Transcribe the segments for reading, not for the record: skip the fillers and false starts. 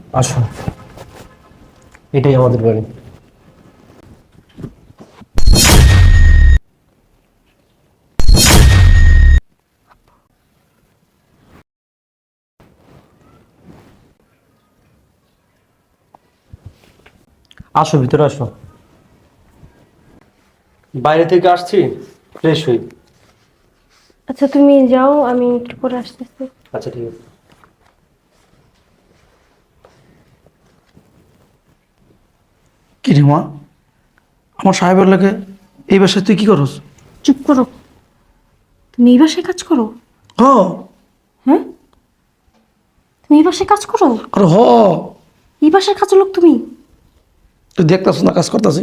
আসো, এটাই আমাদের বাড়ি। আসো, ভিতরে আসো। বাইরে থেকে আসছি, ফ্রেশ হই। আচ্ছা তুমি যাও, আমি একটু পরে আসতেছি। আচ্ছা, ঠিক আছে। কি রে মা, আমার সাহেবের লাগে এই বাসায় তুই কি করস? চুপ করো। তুমি এই বাসায় কাজ করো? হ। হ্যাঁ, তুমি এই বাসায় কাজ করো? আরে হ। এই বাসার কাজের লোক তুমি? তুই দেখতাস না কাজ করতাছি?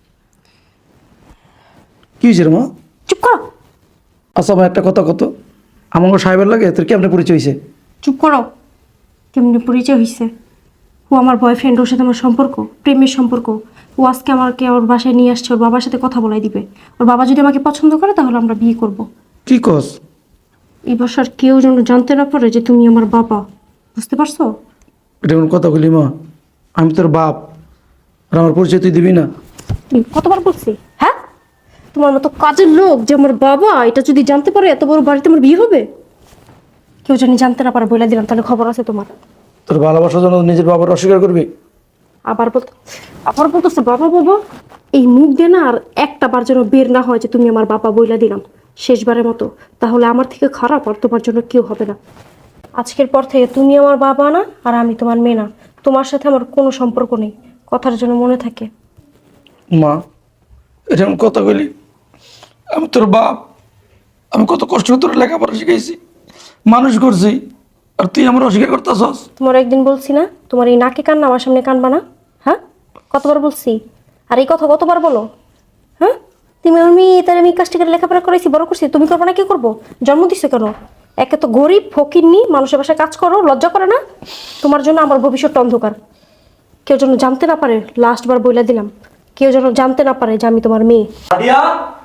কি হয়েছে রে মা? চুপ করো। আচ্ছা ভাই, একটা কথা কত, আমার সাহেবের লাগে তোর কেমনে পরিচয় হয়েছে? চুপ করো। কেমনি পরিচয় হয়েছে? ও আমার বয়ফ্রেন্ড, ওর সাথে আমার সম্পর্ক, প্রেমের সম্পর্ক। ও আজকে আমাকে ওর বাসায় নিয়ে আসছে, ওর বাবার সাথে কথা বলাই দিবে। ওর বাবা যদি আমাকে পছন্দ করে তাহলে আমরা বিয়ে করব। কি কস? এই বাসার কেউ যেন জানতে না পারে যে তুমি আমার বাবা। বুঝতে পারছো? এটা কোন কথা বলি মা? আমি তোর বাপ, আর আমার পরিচয় তুই দিবি না? তুমি কতবার বলছি? হ্যাঁ, তোমার মতো কাজের লোক যে আমার বাবা, এটা যদি জানতে পারে এত বড় বাড়িতে আমার বিয়ে হবে? কেউ জানি জানতে না পারে বলে দিলাম, তাহলে খবর আছে তোমার। তোর ভালোবাসার জন্য নিজের বাবার অস্বীকার করবি? আবার বলতো, আবার বলতেছে বাবা বাবা। এই মুখ দিয়ে না আর একটা বার যেন বের না হয় যে তুমি আমার বাবা বইলা দিলাম, শেষবারের মতো। তাহলে আমার থেকে খারাপ আর তোমার জন্য কেউ হবে না। আজকের পর থেকে তুমি আমার বাবা না, আর আমি তোমার মেয়ে না। তোমার সাথে আমার কোনো সম্পর্ক নেই, কথার জন্য মনে থাকে। মা, এটা কোন কথা বলি? আমি তোর বাপ, আমি কত কষ্ট করে তোর লেখাপড়া শিখাইছি, মানুষ করছি, আর তুই আমার অস্বীকার করতেছস? তোমার একদিন বলছি না তোমার এই নাকে কান্না আমার সামনে কানবা না? হ্যাঁ, কতবার বলছি? আর এই কথা কতবার বলো? হ্যাঁ, তুমি আমার মেয়ে, তার আমি কাজটি করে লেখাপড়া করাইছি, বড় করছি, তুমি করবো না? কি করবো? জন্ম দিছো কেন? একে তো গরিব ফকিরনি, মানুষের বাসায় কাজ করো, লজ্জা করে না? তোমার জন্য আমার ভবিষ্যৎ অন্ধকার। কেউ যেন জানতে না পারে, লাস্ট বার বইলা দিলাম, কেউ যেন জানতে না পারে যে আমি তোমার মেয়ে। সাদিয়া,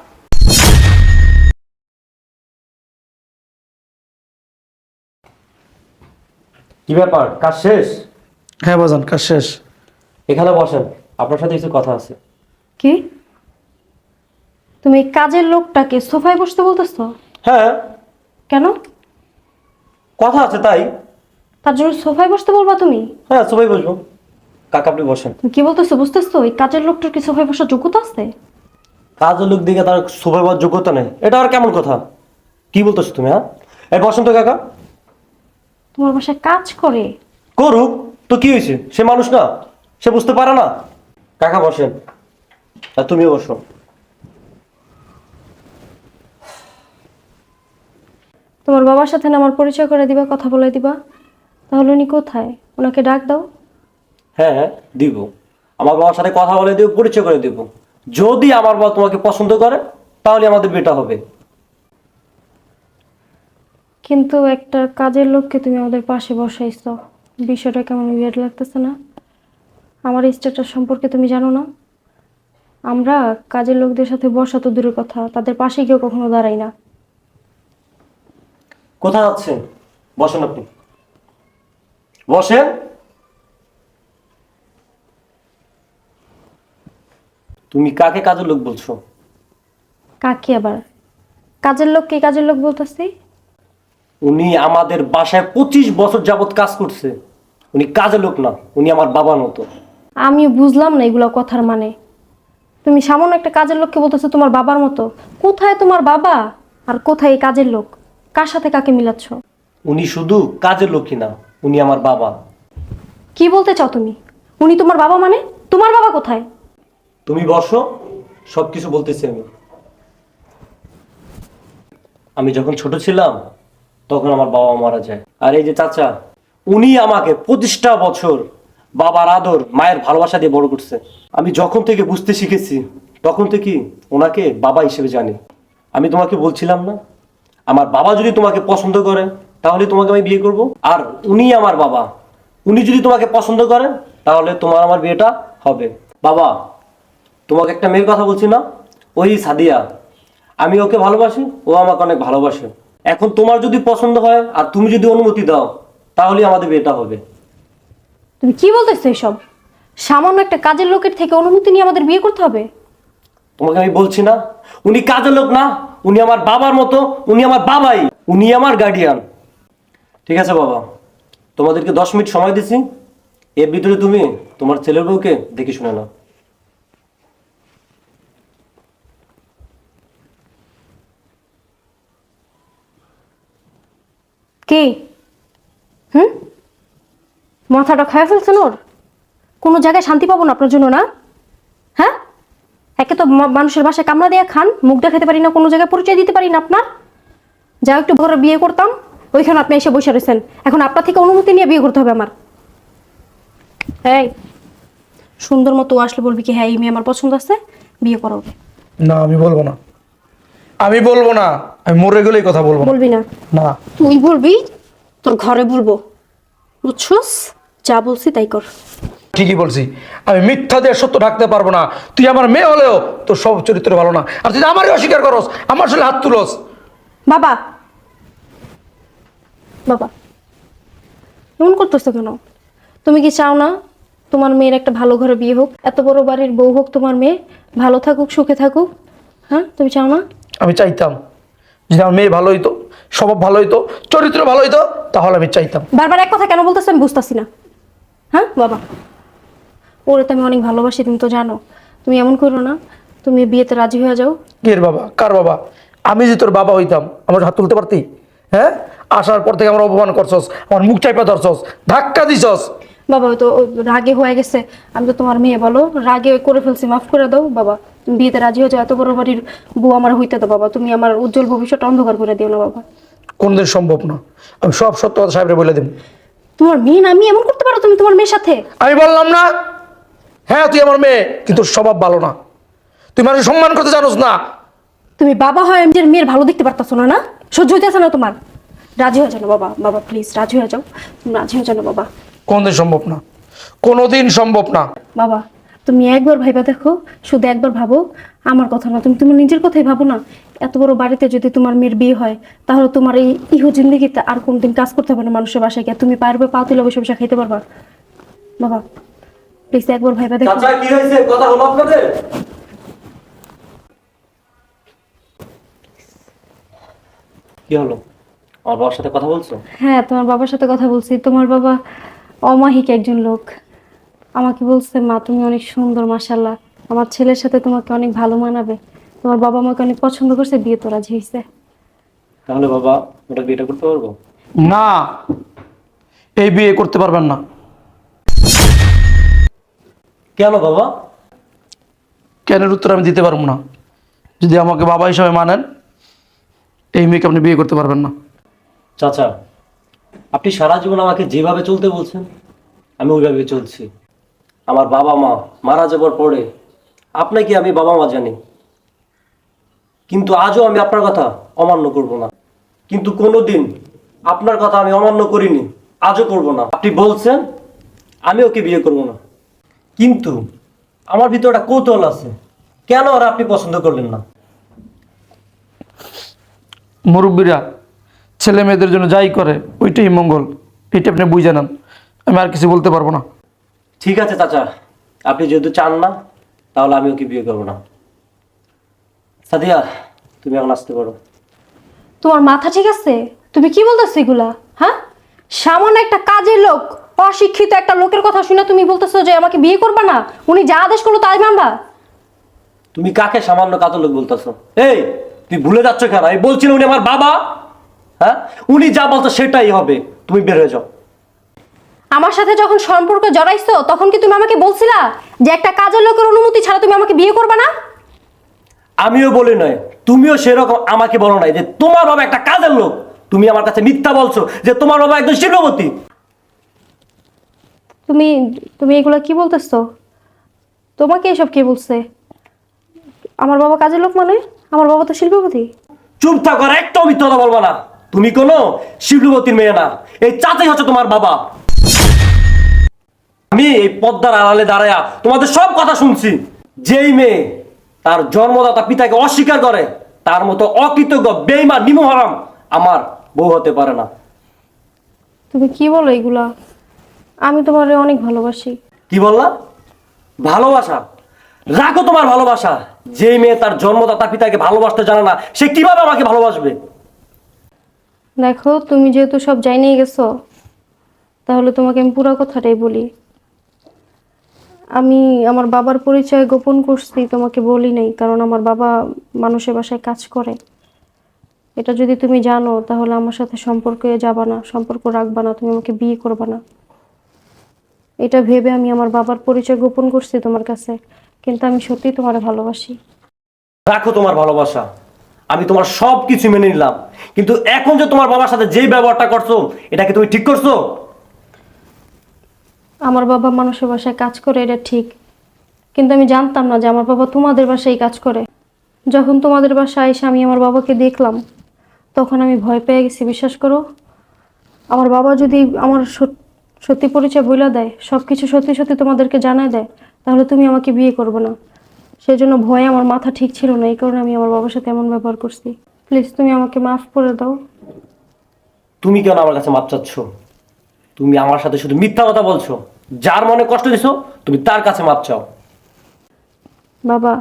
কি ব্যাপার, কাজ শেষ? হ্যাঁ বাজান, কাজ শেষ। এখানে বসেন, আপনার সাথে কিছু কথা আছে। কি? তুমি এই কাজের লোকটাকে সোফায় বসতে বলতেছো? হ্যাঁ, কেন? কথা আছে তাই। তার জন্য সোফায় বসতে বলবা তুমি? হ্যাঁ, সবাই বসবো। কাকা, আপনি বসেন। তুমি কি বলতেছো বুঝতেছো? এই কাজের লোকটার কি সোফায় বসার যোগ্যতা আছে? কাজের লোক দিকে তার শোভা পাওয়ার যোগ্যতা নেই, এটা আর কেমন কথা? কি বলতেছো তুমি? হ্যাঁ, এই বসেন তো কাকা। তোমার বাসায় কাজ করে? করুক তো, কি হয়েছে? সে মানুষ না? সে বুঝতে পারে না? কাকা বসেন, আর তুমিও বসো। তোমার বাবার সাথে না আমার পরিচয় করে দিবা, কথা বলে দিবা? তাহলে উনি কোথায়? ওনাকে ডাক দাও। হ্যাঁ হ্যাঁ, দিব। আমার বাবার সাথে কথা বলে দিব, পরিচয় করে দিব। যদি আমার বাবা তোমাকে পছন্দ করে তাহলে আমাদের বিয়েটা হবে। কিন্তু একটা কাজের লোককে তুমি আমাদের পাশে বসাইছো, বিষয়টা কেমন উইয়ার্ড লাগতেছে না? আমার স্ট্যাটাস সম্পর্কে তুমি জানো না? আমরা কাজের লোকদের সাথে বসা তো দূরের কথা, তাদের পাশে কেউ কখনো দাঁড়াই না। কোথায় যাচ্ছেন? বসেন, আপনি বসেন। তুমি কাকে কাজের লোক বলছো? কাকে আবার? কাজের লোক কি কাজের লোক বলতেছি? উনি আমাদের বাসায় 25 বছর যাবত কাজ করছে। উনি কাজের লোক না, উনি আমার বাবার মতো। আমি বুঝলাম না এগুলো কথার মানে। তুমি সামান্য একটা কাজের লোককে বলতেছো তোমার বাবার মতো। কোথায় তোমার বাবা আর কোথায় এই কাজের লোক? কার সাথে কাকে মিলাচ্ছ? উনি শুধু কাজের লোকই না, উনি আমার বাবা। কি বলতে চাও তুমি? উনি তোমার বাবা মানে? তোমার বাবা কোথায়? তুমি বসো, সবকিছু বলতেছি আমি। আমি যখন ছোট ছিলাম তখন আমার বাবা মারা যায়। আর এই যে চাচা, উনি আমাকে 25টা বছর বাবার আদর, মায়ের ভালোবাসা দিয়ে বড় করছে। আমি যখন থেকে বুঝতে শিখেছি তখন থেকে ওনাকে বাবা হিসেবে জানি। আমি তোমাকে বলছিলাম না, আমার বাবা যদি তোমাকে পছন্দ করে তাহলে তোমাকে আমি বিয়ে করব। আর উনি আমার বাবা, উনি যদি তোমাকে পছন্দ করেন তাহলে তোমার আমার বিয়েটা হবে। বাবা, তোমাকে একটা মেয়ের কথা বলছি না, ওই সাদিয়া। আমি ওকে ভালোবাসি, ও আমাকে অনেক ভালোবাসে। এখন তোমার যদি পছন্দ হয় আর তুমি যদি অনুমতি দাও তাহলে আমাদের বিয়েটা হবে। তুমি কি বলতেছো এসব? সামান্য একটা কাজের লোকের থেকে অনুমতি নিয়ে আমাদের বিয়ে করতে হবে? তোমাকে আমি বলছি না, উনি কাজের লোক না, উনি আমার বাবার মতো, উনি আমার বাবাই, উনি আমার গার্ডিয়ান। ঠিক আছে বাবা, তোমাদেরকে 10 মিনিট সময় দিছি, এর ভিতরে তুমি তোমার ছেলের বউকে দেখে শুনে নাও। কে? মাথাটা খায় ফেলছেন ওর? কোনো জায়গায় শান্তি পাবো না আপনার জন্য, না? হ্যাঁ, একে তো মানুষের বাসায় কামড়া দিয়ে খান, মুখ দেখাতে পারি না, কোনো জায়গায় পরিচয় দিতে পারি না আপনার। যা একটু ঘরে বিয়ে করতাম, ওইখানে আপনি এসে বসে রয়েছেন। এখন আপনার থেকে অনুমতি নিয়ে বিয়ে করতে হবে আমার। এই সুন্দর মতো ও আসলে বলবি কি, হ্যাঁ এই মেয়ে আমার পছন্দ আছে, বিয়ে করো ওকে। না, আমি বলবো না, আমি বলবো না, আমি মরে গেলেই কথা বলবো না। বলবি না? না। তুই বলবি, তোর ঘরে বলবো, বুঝছস? যা বলছি তাই কর। ঠিকই বলছি, আমি মিথ্যা দিয়ে সত্য ঢাকতে পারবো না। তুই আমার মেয়ে হলেও তোর সব চরিত্র ভালো না, আর তুই আমারই অস্বীকার করস, আমার সাথে হাত তুলস। বাবা, বাবা এমন করতেছো কেন? তুমি কি চাও না তোমার মেয়ের একটা ভালো ঘরে বিয়ে হোক, এত বড় বাড়ির বউ হোক, তোমার মেয়ে ভালো থাকুক, সুখে থাকুক? হ্যাঁ, তুমি চাও না? আমি চাইতাম যদি আমার মেয়ে ভালো হইতো, স্বভাব ভালো হইতো, চরিত্র ভালো হইতো, তাহলে আমি চাইতাম। বারবার এক কথা কেন বলতেছো আমি বুঝতেছি না। হ্যাঁ বাবা, ওরে তো আমি অনেক ভালোবাসি, তুমি তো জানো। তুমি এমন করো না, তুমি বিয়েতে রাজি হয়ে যাও। কে বাবা? কার বাবা? আমি যে তোর বাবা হইতাম, আমার হাত তুলতে পারতি? হ্যাঁ, আসার পর থেকে আমার অপমান করছস, আমার মুখ চাইপা ধরছস, ধাক্কা দিছস। বাবা ও তো রাগে হয়ে গেছে, আমি তো তোমার মেয়ে, বলো রাগে করে ফেলছি, মাফ করে দাও বাবা। তুমি বিয়েতে রাজি হয়ে যাও, এত বড় বাড়ির বউ আমার হইতে দাও বাবা। তুমি আমার উজ্জ্বল ভবিষ্যৎ অন্ধকার করে দিও না বাবা। কোনদিন সম্ভব না, আমি সব সত্য কথা সাহেবরে বলে দেব। তোমার মেয়ে না, আমি এমন করতে পারো তুমি তোমার মেয়ের সাথে? আমি বললাম না? হ্যাঁ, তুই আমার মেয়ে, কিন্তু স্বভাব ভালো না, তুই মানুষ সম্মান করতে জানোস না। তুমি বাবা হয় নিজের মেয়ের ভালো দেখতে পারতাছো না? না সহ্য হইতেছে না তোমার? রাজি হয়ে যাও না বাবা, বাবা প্লিজ রাজি হয়ে যাও, তুমি রাজি হয়ে যাও না বাবা। কোনদিন সম্ভব না, কোনোদিন সম্ভব না। বাবা তুমি একবার ভাইবা দেখো, শুধু একবার ভাবো, আমার কথা না, তুমি তোমার নিজের কথাই ভাবো না। এত বড় বাড়িতে যদি তোমার মেয়ের বিয়ে হয়, তাহলে তোমার এই ইহো জিন্দগিতে আর কোনদিন কাজ করতে হবে না মানুষের বাসায় গিয়ে, তুমি পারবে পা তুলে বসে বসে খাইতে পারবা। বাবা প্লিজ একবার ভাইবা দেখো। চাচা কি হয়েছে, কথা হলো আপনাদের? কি হলো, আমার বাবার সাথে কথা বলছো? হ্যাঁ তোমার বাবার সাথে কথা বলছি। তোমার বাবা অমাহিক একজন লোক, আমাকে বলছে মা তুমি অনেক সুন্দর, মাশাল্লাহ আমার ছেলের সাথে তোমাকে অনেক ভালো মানাবে। তোমার বাবা আমাকে অনেক পছন্দ করছে, বিয়ে তো রাজি হয়েছে। তাহলে বাবা ওটা বিয়েটা করতে পারবো? না, এই বিয়ে করতে পারবেন না। কেন বাবা? কেনের উত্তর আমি দিতে পারবো না। যদি আমাকে বাবা হিসাবে মানেন, এই মেয়েকে আপনি বিয়ে করতে পারবেন না। চাচা, আপনি সারা জীবন আমাকে যেভাবে চলতে বলছেন আমি ওইভাবে চলছি। আমার বাবা মা মারা যাবার পরে আপনাকে আমি বাবা মা জানি, কিন্তু আজও আমি আপনার কথা অমান্য করব না। কিন্তু কোনোদিন আপনার কথা আমি অমান্য করিনি, আজও করব না। আপনি বলছেন আমি ওকে বিয়ে করব না, কিন্তু আমার ভিতরে একটা কৌতূহল আছে, কেন আর আপনি পছন্দ করলেন না? মুরব্বীরা ছেলে মেয়েদের জন্য যাই করে ওইটাই মঙ্গল, এটা আপনি বুঝে নেন। আমি আর কিছু বলতে পারবো না। ঠিক আছে চাচা, আপনি যেহেতু চান না, তাহলে আমি ওকে বিয়ে করবো না। সাদিয়া, তুমি এখন আসতে পারো। তোমার মাথা ঠিক আছে? তুমি কি বলতেছো এগুলা? হ্যাঁ, সামান্য একটা কাজের লোক, অশিক্ষিত একটা লোকের কথা শুনে তুমি বলতেছো যে আমাকে বিয়ে করবা না? উনি যা আদেশ করলো তাই মানবা? তুমি কাকে সামান্য কাজের লোক বলতেছো? এই তুই ভুলে যাচ্ছ কেন? আমি বলছিলাম উনি আমার বাবা। হ্যাঁ, উনি যা বলতো সেটাই হবে। তুমি বের হয়ে যাও। আমার সাথে যখন সম্পর্ক জড়াইছো তখন কি তুমি আমাকে বলছিলা যে একটা কাজের লোকের অনুমতি ছাড়া তুমি আমাকে বিয়ে করবা না? আমিও বলি নয়, তুমিও সেরকম আমাকে বলো নাই যে তোমার বাবা একটা কাজের লোক। তুমি আমার কাছে মিথ্যা বলছো যে তোমার বাবা একজন শিল্পপতি। তুমি তুমি এগুলা কি বলতেছো? তোমাকে এসব কে বলছে? আমার বাবা কাজের লোক মানে? আমার বাবা তো শিল্পপতি। চুপ থাকো, আর একটাও মিথ্যা কথা বলবা না। তুমি কোনো শিল্পপতির মেয়ে না, এই চাচাই হচ্ছে তোমার বাবা। আমি এই পদ্মার আড়ালে দাঁড়ায়া তোমাদের সব কথা শুনছি। যেই মেয়ে তার জন্মদাতা পিতাকে অস্বীকার করে, তার মতো অকৃতজ্ঞ বেঈমান নিমহারাম আমার বউ হতে পারে না। তুমি কি বলো এগুলা? আমি তোমারে অনেক ভালোবাসি। কি বললা? ভালোবাসা? রাখো তোমার ভালোবাসা। যে মেয়ে তার জন্মদাতা পিতাকে ভালোবাসতে জানে না, সে কিভাবে আমাকে ভালোবাসবে? দেখো, তুমি যেহেতু সব জানিয়ে গেছো, তাহলে তোমাকে আমি পুরো কথাটাই বলি। আমি আমার বাবার পরিচয় গোপন করছি, তোমাকে বলি নাই, কারণ আমার বাবা মানুষের বাসায় কাজ করে। এটা যদি তুমি জানো তাহলে আমার সাথে সম্পর্কে যাবা না, সম্পর্ক রাখবা না, তুমি আমাকে বিয়ে করবা না। এটা ভেবে আমি আমার বাবার পরিচয় গোপন করছি তোমার কাছে, কিন্তু আমি সত্যিই তোমার ভালোবাসি। রাখো তোমার ভালোবাসা। আমি তোমার সব কিছু মেনে নিলাম, কিন্তু এখন যে তোমার বাবার সাথে যেই ব্যবহারটা করছো, এটা কি তুমি ঠিক করছো? আমার বাবা মানুষের বাসায় কাজ করে, এটা ঠিক, কিন্তু আমি জানতাম না যে আমার বাবা তোমাদের বাসায় কাজ করে। যখন তোমাদের বাসায় এসে আমি আমার বাবাকে দেখলাম, তখন আমি ভয় পেয়ে গেছি। বিশ্বাস করো, আমার বাবা যদি আমার সত্যি পরিচয় বলে দেয়, সব কিছু সত্যি সত্যি তোমাদেরকে জানায় দেয়, তাহলে তুমি আমাকে বিয়ে করবে না। সেই জন্য ভয়ে আমার মাথা ঠিক ছিল না, এই কারণে আমি আমার বাবার সাথে এমন ব্যবহার করছি। প্লিজ তুমি আমাকে মাফ করে দাও। তুমি কেন আমার কাছে মাপ চাচ্ছ? তুমি আমার সাথে শুধু মিথ্যা কথা বলছো। যার মনে কষ্ট দিছো, তুমি তার কাছে মাপ চাও। বাবা,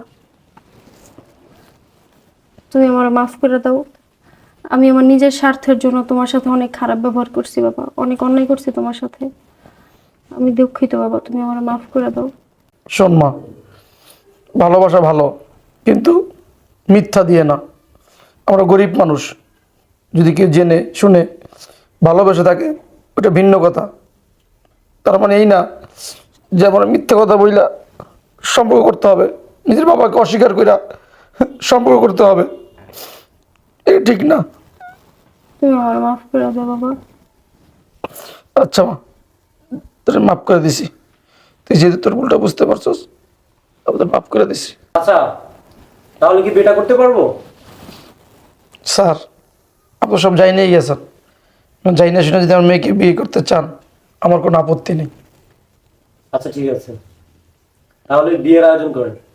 তুমি আমার মাফ করে দাও। আমি আমার নিজের স্বার্থের জন্য তোমার সাথে অনেক খারাপ ব্যবহার করছি বাবা, অনেক অন্যায় করছি তোমার সাথে। আমি দুঃখিত বাবা, তুমি আমার মাফ করে দাও। শোন মা, ভালোবাসা ভালো, কিন্তু মিথ্যা দিয়ে না। আমরা গরিব মানুষ, যদি কেউ জেনে শুনে ভালোবেসে থাকে, ওটা ভিন্ন কথা। তার মানে এই না যে আমরা মিথ্যা কথা বইলা সম্পর্ক করতে হবে, নিজের বাবাকে অস্বীকার কইরা সম্পর্ক করতে হবে, এটা ঠিক না। তুমি আমার মাফ করে দাও বাবা। আচ্ছা মা, তোর মাফ করে দিছি। তুই যেহেতু তোর ভুলটা বুঝতে পারছস, তোর মাফ করে দিছি। আচ্ছা, তাহলে কি বিয়েটা করতে পারবো? স্যার, আপনি সব যাই নিয়ে গেছেন, যাই না শুনে যদি আমার মেয়েকে বিয়ে করতে চান, আমার কোনো আপত্তি নেই। আচ্ছা ঠিক আছে, তাহলে বিয়ের আয়োজন করেন।